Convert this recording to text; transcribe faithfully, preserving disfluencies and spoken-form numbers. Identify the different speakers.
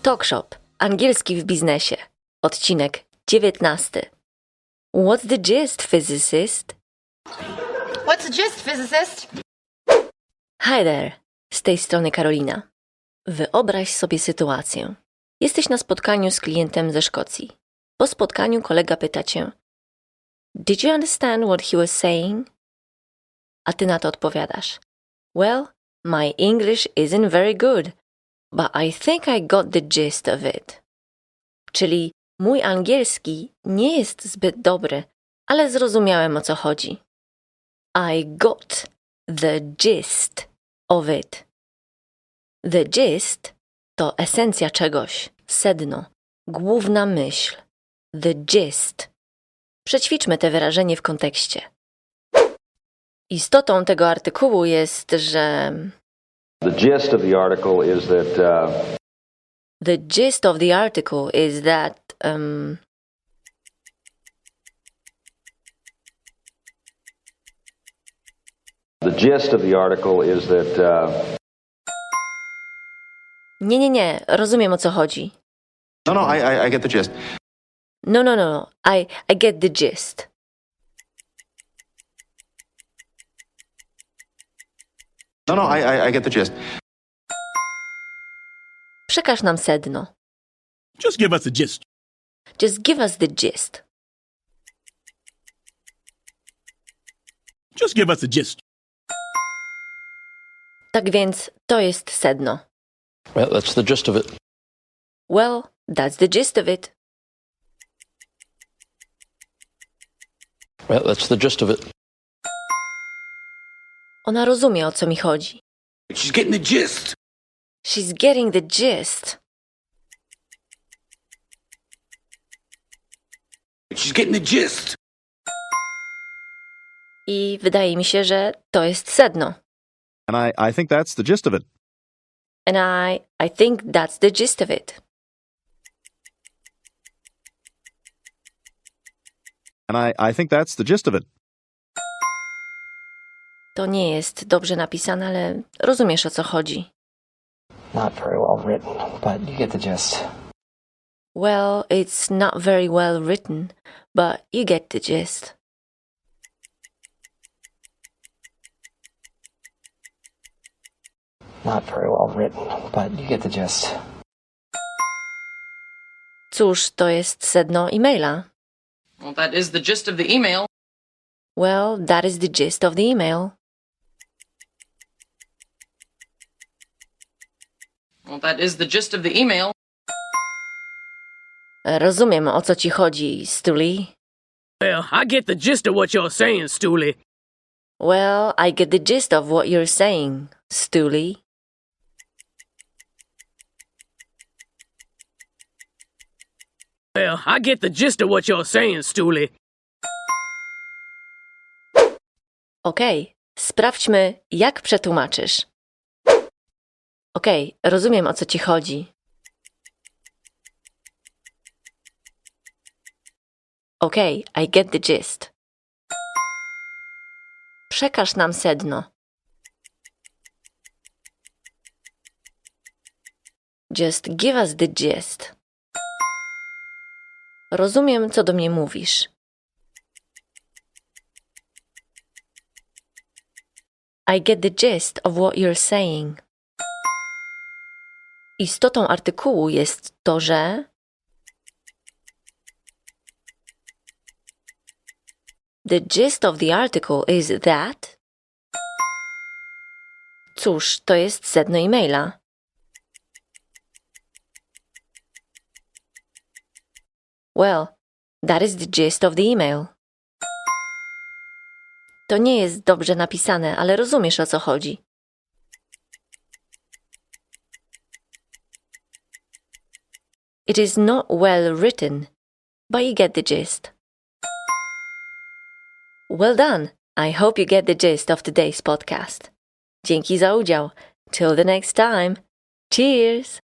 Speaker 1: Talkshop. Angielski w biznesie. Odcinek dziewiętnasty. What's the gist, physicist?
Speaker 2: What's the gist, physicist?
Speaker 1: Hi there. Z tej strony Karolina. Wyobraź sobie sytuację. Jesteś na spotkaniu z klientem ze Szkocji. Po spotkaniu kolega pyta cię: Did you understand what he was saying? A ty na to odpowiadasz: Well, my English isn't very good, but I think I got the gist of it. Czyli mój angielski nie jest zbyt dobry, ale zrozumiałem, o co chodzi. I got the gist of it. The gist to esencja czegoś, sedno, główna myśl. The gist. Przećwiczmy te wyrażenie w kontekście. Istotą tego artykułu jest, że
Speaker 3: The gist of the article is that uh,
Speaker 1: The gist of the article is that um,
Speaker 3: the gist of the article is that uh,
Speaker 1: Nie, nie, nie, rozumiem, o co chodzi.
Speaker 4: No, no, I, I, I get the gist.
Speaker 1: No, no, no, no, I, I get the gist.
Speaker 4: No, no, I, I, I get the gist.
Speaker 1: Przekaż nam sedno.
Speaker 5: Just give us a gist.
Speaker 1: Just give us the gist.
Speaker 5: Just give us a gist.
Speaker 1: Tak więc to jest sedno.
Speaker 6: Well, that's the gist of it.
Speaker 1: Well, that's the gist of it.
Speaker 6: Well, that's the gist of it.
Speaker 1: Ona rozumie, o co mi chodzi.
Speaker 5: She's getting the gist.
Speaker 1: She's getting the gist.
Speaker 5: She's getting the gist.
Speaker 1: I wydaje mi się, że to jest sedno.
Speaker 7: And I, I think that's the gist of it.
Speaker 1: And I, I think that's the gist of it.
Speaker 7: And I, I think that's the gist of it.
Speaker 1: To nie jest dobrze napisane, ale rozumiesz, o co chodzi.
Speaker 8: Not very well written, but you get the gist.
Speaker 1: Well, it's not very well written, but you get the gist.
Speaker 8: Not very well written, but you get the gist.
Speaker 1: Cóż, to jest sedno e-maila.
Speaker 9: Well, that is the gist of the email.
Speaker 1: Well, that is the gist of the email.
Speaker 9: Well, that is the gist of the email.
Speaker 1: Rozumiem, o co ci chodzi, Stuli.
Speaker 10: Well, I get the gist of what you're saying, Stooley.
Speaker 1: Well, I get the gist of what you're saying, Stuli.
Speaker 10: Well, I get the gist of what you're saying, Stooley.
Speaker 1: Okej, sprawdźmy, jak przetłumaczysz. Okej, rozumiem, o co ci chodzi. Okej, I get the gist. Przekaż nam sedno. Just give us the gist. Rozumiem, co do mnie mówisz. I get the gist of what you're saying. Istotą artykułu jest to, że The gist of the article is that Cóż, to jest sedno e-maila. Well, that is the gist of the email. To nie jest dobrze napisane, ale rozumiesz, o co chodzi. It is not well written, but you get the gist. Well done! I hope you get the gist of today's podcast. Dzięki za udział. Till the next time. Cheers!